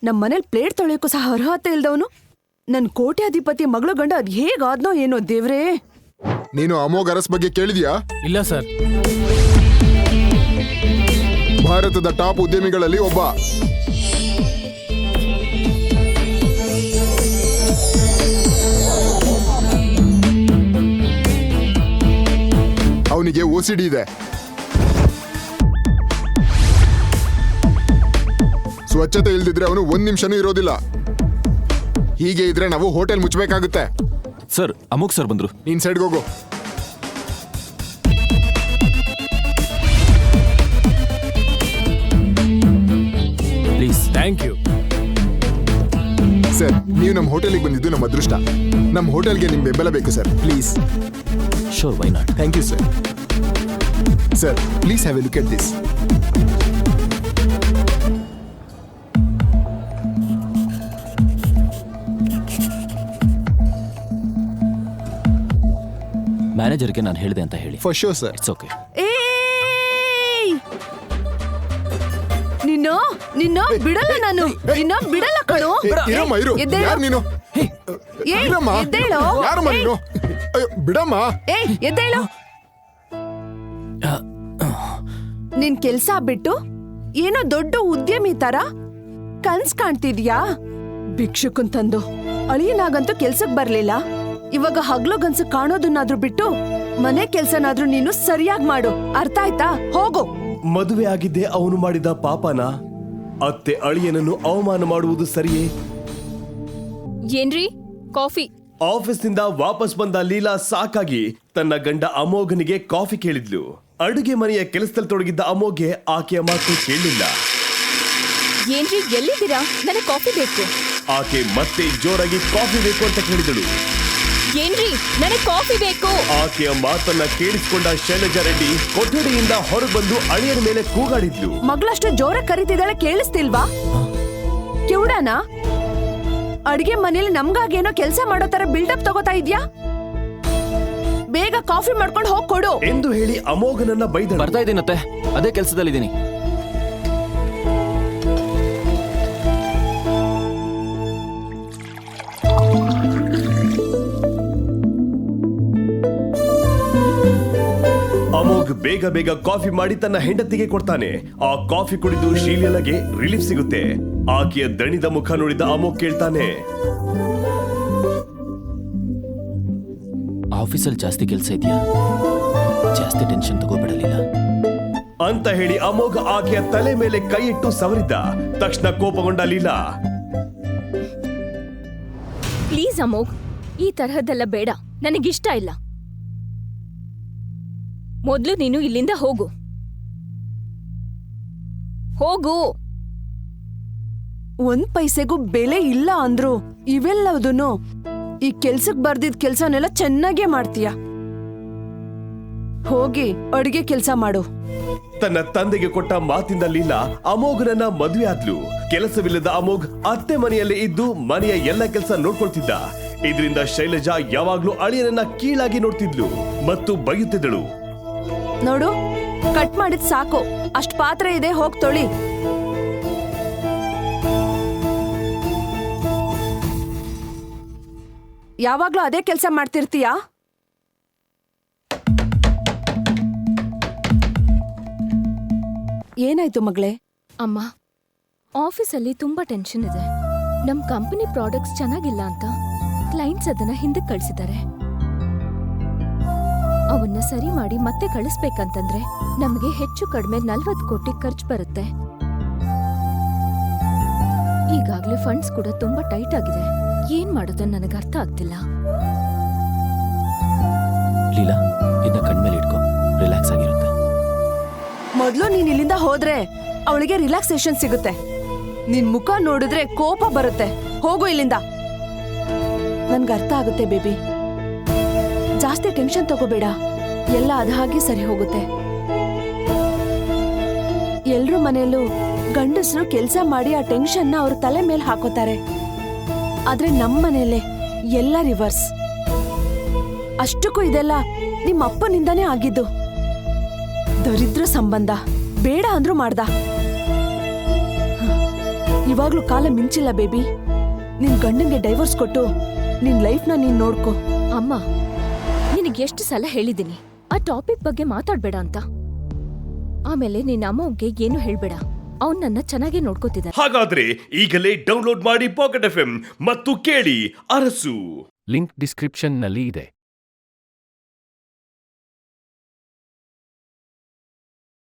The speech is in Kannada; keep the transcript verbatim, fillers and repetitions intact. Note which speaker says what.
Speaker 1: ನಮ್ ಮನೇಲಿ ಪ್ಲೇಟ್ ತೊಳೆಯೋಕ್ಕೂ ಸಹ ಅರ್ಹತೆ ಇಲ್ದವನು ನನ್ ಕೋಟ್ಯಾಧಿಪತಿ ಮಗಳು ಗಂಡ ಅದ್ ಹೇಗಾದ್ನೋ ಏನೋ ದೇವ್ರೇ.
Speaker 2: ನೀನು ಅಮೋಘ್ ಅರಸ್ ಬಗ್ಗೆ ಕೇಳಿದ್ಯಾ?
Speaker 3: ಇಲ್ಲ ಸರ್.
Speaker 2: ಭಾರತದ ಟಾಪ್ ಉದ್ಯಮಿಗಳಲ್ಲಿ ಒಬ್ಬ. ಅವನಿಗೆ ಓಸಿಡಿ ಇದೆ. ಸ್ವಚ್ಛತೆ ಇಲ್ದಿದ್ರೆ ಅವನು ಒಂದ್ ನಿಮಿಷನೂ ಇರೋದಿಲ್ಲ. ಹೀಗೆ ಇದ್ರೆ ನಾವು ಹೋಟೆಲ್ ಮುಚ್ಚಬೇಕಾಗುತ್ತೆ.
Speaker 4: ಸರ್, ಅಮೋಘ್ ಸರ್ ಬಂದ್ರು.
Speaker 2: ನೀನ್ ಸೈಡ್ಗೆ ಹೋಗು.
Speaker 4: ಪ್ಲೀಸ್.
Speaker 3: ಥ್ಯಾಂಕ್ ಯು
Speaker 2: ಸರ್, ನೀವು ನಮ್ಮ ಹೋಟೆಲ್ಗೆ ಬಂದಿದ್ದು ನಮ್ಮ ಅದೃಷ್ಟ. ನಮ್ಮ ಹೋಟೆಲ್ಗೆ ನಿಮ್ ಬೆಂಬಲ ಬೇಕು sir, please.
Speaker 4: Sure, why not?
Speaker 2: Thank you sir. Sir, please have a look at this.
Speaker 4: ಮ್ಯಾನೇಜರ್ಗೆ ನಾನು ಹೇಳಿದೆ ಅಂತ ಹೇಳಿ.
Speaker 2: For sure sir.
Speaker 4: It's okay.
Speaker 1: ಏಯ್ ನಿನ್ನ ನಿನ್ನ ಬಿಡಲ್ಲ ನಾನು, ನಿನ್ನ ಬಿಡಲ್ಲ ಕಣೋ.
Speaker 2: ಇರಮ್ಮ, ಇರು. ಯಾರು ನೀನು?
Speaker 1: ಏಯ್
Speaker 2: ಇರಮ್ಮ.
Speaker 1: ಎದ್ದೇಳು.
Speaker 2: ಯಾರಮ್ಮ ನೀನು? ಅಯ್ಯೋ, ಬಿಡಮ್ಮ.
Speaker 1: ಏಯ್ ಎದ್ದೇಳು. ನಿನ್ ಕೆಲ್ಸ ಬಿಟ್ಟು ಏನೋ ದೊಡ್ಡ ಉದ್ಯಮಿ ತರ ಕನ್ಸ್ ಕಾಣ್ತಿದ್ಯಾ? ಭಿಕ್ಷುಕನ್ ತಂದು ಅಳಿಯನಾಗಂತೂ ಕೆಲ್ಸಕ್ ಬರ್ಲಿಲ್ಲ. ಇವಾಗ ಹಗ್ಲು ಗನ್ಸು ಕಾಣೋದನ್ನಾದ್ರೂ ಬಿಟ್ಟು ಮನೆ ಕೆಲ್ಸನಾದ್ರೂ ನೀನು ಸರಿಯಾಗಿ ಮಾಡು. ಅರ್ಥ ಆಯ್ತಾ? ಹೋಗು.
Speaker 5: ಮದುವೆ ಆಗಿದ್ದೆ ಅವನು ಮಾಡಿದ ಪಾಪನ. ಅತ್ತೆ ಅಳಿಯನನ್ನು ಅವಮಾನ ಮಾಡುವುದು ಸರಿಯೇ?
Speaker 6: ಏನ್ರಿ ಕಾಫಿ?
Speaker 5: ಆಫೀಸ್ನಿಂದ ವಾಪಸ್ ಬಂದ ಲೀಲಾ ಸಾಕಾಗಿ ತನ್ನ ಗಂಡ ಅಮೋಘನಿಗೆ ಕಾಫಿ ಕೇಳಿದ್ಲು. ಅಡುಗೆ ಮನೆಯ ಕೆಲಸದಲ್ಲಿ ತೊಡಗಿದ್ದ ಅಮೋಘ್ಗೆ ಆಕೆಯ ಮಾತು ಕೇಳಲಿಲ್ಲ.
Speaker 6: ಏನ್ರಿ ಎಲ್ಲಿದ್ದೀರಾ? ನನಗೆ ಕಾಫಿ ಬೇಕು.
Speaker 5: ಆಕೆ ಮತ್ತೆ ಜೋರಾಗಿ ಕಾಫಿ ಬೇಕು ಅಂತ ಕೇಳಿದಳು.
Speaker 6: ಏನ್ರಿ ನನಗೆ ಕಾಫಿ ಬೇಕು.
Speaker 5: ಆಕೆಯ ಮಾತನ್ನ ಕೇಳಿಸಿಕೊಂಡ ಶೈಲಜಾ ರೆಡ್ಡಿ ಕೊಠಡಿಯಿಂದ ಹೊರಬಂದು ಅಳಿಯನ ಮೇಲೆ ಕೂಗಾಡಿದ್ಲು.
Speaker 1: ಮಗಳಷ್ಟು ಜೋರ ಕರಿತಿದ್ದಾಳೆ, ಕೇಳಿಸ್ತಿಲ್ವಾ? ಕಿವುಡಾನ? ಅಡ್ಗೆ ಮನೇಲಿ ನಮ್ಗಾಗೇನೋ ಕೆಲ್ಸ ಮಾಡೋ ತರ ಬಿಲ್ಡಪ್ ತಗೋತಾ ಇದ್ಯಾ? ಬೇಗ ಕಾಫಿ ಮಾಡ್ಕೊಂಡು ಹೋಗ್ ಕೊಡು
Speaker 5: ಎಂದು ಹೇಳಿ ಅಮೋಘನನ್ನ ಬೈದಳು.
Speaker 4: ಬರ್ತಾ ಇದ್ದೀನತ್ತೆ, ಅದೇ ಕೆಲಸದಲ್ಲಿದ್ದೀನಿ.
Speaker 5: ಅಮೋಘ್ ಬೇಗ ಬೇಗ ಕಾಫಿ ಮಾಡಿ ತನ್ನ ಹೆಂಡತಿಗೆ ಕೊಡ್ತಾನೆ. ಆ ಕಾಫಿ ಕುಡಿದು ಶೀಲಗೆ ರಿಲೀಫ್ ಸಿಗುತ್ತೆ. ಆಕೆಯ ದಣಿದ ಮುಖ ನೋಡಿದ ಅಮೋಘ್ ಕೇಳ್ತಾನೆ,
Speaker 4: ಆಫೀಸಲ್ಲಿ ಜಾಸ್ತಿ ಕೆಲಸ ಇದೆಯಾ? ಜಾಸ್ತಿ ಟೆನ್ಷನ್ ತಗೋಬಿಡಲಿಲ್ಲ
Speaker 5: ಅಂತ ಹೇಳಿ ಅಮೋಘ್ ಆಕೆಯ ತಲೆ ಮೇಲೆ ಕೈ ಇಟ್ಟು ಸವರಿದ್ದ. ತಕ್ಷಣ ಕೋಪಗೊಂಡ ಲೀಲಾ.
Speaker 6: ಪ್ಲೀಸ್ ಅಮೋಘ್, ಈ ತರಹದ್ದೆಲ್ಲ ಬೇಡ, ನನಗಿಷ್ಟ ಇಲ್ಲ. ಮೊದ್ಲು ನೀನು ಇಲ್ಲಿಂದ ಹೋಗು. ಹೋಗು.
Speaker 1: ಒಂದ್ ಪೈಸೆಗೂ ಬೆಲೆ ಇಲ್ಲ ಅಂದ್ರು ಇವೆಲ್ಲದನ್ನು ಈ ಕೆಲ್ಸಕ್ ಬರ್ದಿದ್ ಕೆಲ್ಸನೆಲ್ಲ ಚೆನ್ನಾಗೇ ಮಾಡ್ತೀಯ. ಹೋಗಿ ಅಡ್ಗೆ ಕೆಲ್ಸ ಮಾಡು.
Speaker 5: ತನ್ನ ತಂದೆಗೆ ಕೊಟ್ಟ ಮಾತಿಂದ ಲೀಲಾ ಅಮೋಘನನ್ನ ಮದುವೆ ಆದ್ಲು. ಕೆಲಸವಿಲ್ಲದ ಅಮೋಘ್ ಅತ್ತೆ ಮನೆಯಲ್ಲೇ ಇದ್ದು ಮನೆಯ ಎಲ್ಲ ಕೆಲಸ ನೋಡ್ಕೊಳ್ತಿದ್ದ. ಇದರಿಂದ ಶೈಲಜಾ ಯಾವಾಗ್ಲೂ ಅಳಿಯನನ್ನ ಕೀಳಾಗಿ ನೋಡ್ತಿದ್ಲು ಮತ್ತು ಬೈಯುತ್ತಿದ್ದಳು.
Speaker 1: ನೋಡು, ಕಟ್ ಮಾಡಿದ್ ಸಾಕು, ಅಷ್ಟ್ ಪಾತ್ರೆ ಇದೆ, ಹೋಗ್ ತೊಳಿ. ಯಾವಾಗ್ಲೂ ಅದೇ ಕೆಲ್ಸ ಮಾಡ್ತಿರ್ತೀಯಾ? ಏನಾಯ್ತು ಮಗಳೇ?
Speaker 6: ಅಮ್ಮ, ಆಫೀಸಲ್ಲಿ ತುಂಬಾ ಟೆನ್ಷನ್ ಇದೆ. ನಮ್ ಕಂಪನಿ ಪ್ರಾಡಕ್ಟ್ಸ್ ಚೆನ್ನಾಗಿಲ್ಲ ಅಂತ ಕ್ಲೈಂಟ್ಸ್ ಅದನ್ನ ಹಿಂದಕ್ಕೆ ಕಳ್ಸಿದ್ದಾರೆ. ಅವನ್ನ ಸರಿ ಮಾಡಿ ಮತ್ತೆ ಕಳಿಸ್ಬೇಕಂತಂದ್ರೆ ನಮಗೆ ಹೆಚ್ಚು ಕಡಿಮೆ ನಲ್ವತ್ತು ಕೋಟಿ ಖರ್ಚು ಬರುತ್ತೆ. ಈಗಾಗ್ಲೇ ಫಂಡ್ಸ್ ಕೂಡ ತುಂಬಾ ಟೈಟ್ ಆಗಿದೆ. ಏನ್ ಮಾಡೋದನ್ನ ನನಗೆ ಅರ್ಥ ಆಗ್ತಿಲ್ಲ.
Speaker 4: ಲೀಲಾ, ಇದನ್ನ ಕಣ್ಮೇಲೆ ಇಟ್ಕೋ, ರಿಲ್ಯಾಕ್ಸ್ ಆಗಿರುತ್ತೆ.
Speaker 1: ಮೊದ್ಲು ನೀನ್ ಇಲ್ಲಿಂದ ಹೋದ್ರೆ ಅವಳಿಗೆ ರಿಲ್ಯಾಕ್ಸೇಷನ್ ಸಿಗುತ್ತೆ. ನಿನ್ ಮುಖ ನೋಡಿದ್ರೆ ಕೋಪ ಬರುತ್ತೆ. ಹೋಗು ಇಲ್ಲಿಂದ. ನನ್ಗೆ ಅರ್ಥ ಆಗುತ್ತೆ ಬೇಬಿ, ಜಾಸ್ತಿ ಟೆನ್ಷನ್ ತಗೋಬೇಡ, ಎಲ್ಲ ಅದ ಹಾಗೆ ಸರಿ ಹೋಗುತ್ತೆ. ಎಲ್ರೂ ಮನೆಯಲ್ಲೂ ಗಂಡಸರು ಕೆಲ್ಸ ಮಾಡಿ ಆ ಟೆನ್ಷನ್ನ ಅವ್ರ ತಲೆ ಮೇಲೆ ಹಾಕೋತಾರೆ. ಆದ್ರೆ ನಮ್ಮ ಮನೆಯಲ್ಲೇ ಎಲ್ಲ ರಿವರ್ಸ್. ಅಷ್ಟಕ್ಕೂ ಇದೆಲ್ಲ ನಿಮ್ಮ ಅಪ್ಪನಿಂದಾನೇ ಆಗಿದ್ದು. ದರಿದ್ರ ಸಂಬಂಧ ಬೇಡ ಅಂದ್ರೂ ಮಾಡ್ದ. ಇವಾಗ್ಲೂ ಕಾಲ ಮಿಂಚಿಲ್ಲ ಬೇಬಿ. ನಿನ್ ಗಂಡಂಗೆ ಡೈವರ್ಸ್ ಕೊಟ್ಟು ನಿನ್ ಲೈಫ್ನ ನೀನ್ ನೋಡ್ಕೋ.
Speaker 6: ಅಮ್ಮ, ನಿನಗೆ ಎಷ್ಟು ಸಲ ಹೇಳಿದ್ದೀನಿ ಆ ಟಾಪಿಕ್ ಬಗ್ಗೆ ಮಾತಾಡ್ಬೇಡ ಅಂತ. ಆಮೇಲೆ ನಿನ್ನ ಅಮ್ಮವ್ಗೆ ಏನು ಹೇಳ್ಬೇಡ, ಅವ್ನ್ ನನ್ನ ಚೆನ್ನಾಗಿ ನೋಡ್ಕೋತಿದ್ದಾನೆ.
Speaker 5: ಹಾಗಾದ್ರೆ ಈಗಲೇ ಡೌನ್ಲೋಡ್ ಮಾಡಿ ಪಾಕೆಟ್ ಎಫ್ ಎಂ ಮತ್ತು ಕೇಳಿ ಅರಸು.
Speaker 4: ಲಿಂಕ್ ಡಿಸ್ಕ್ರಿಪ್ಷನ್ನಲ್ಲಿ ಇದೆ.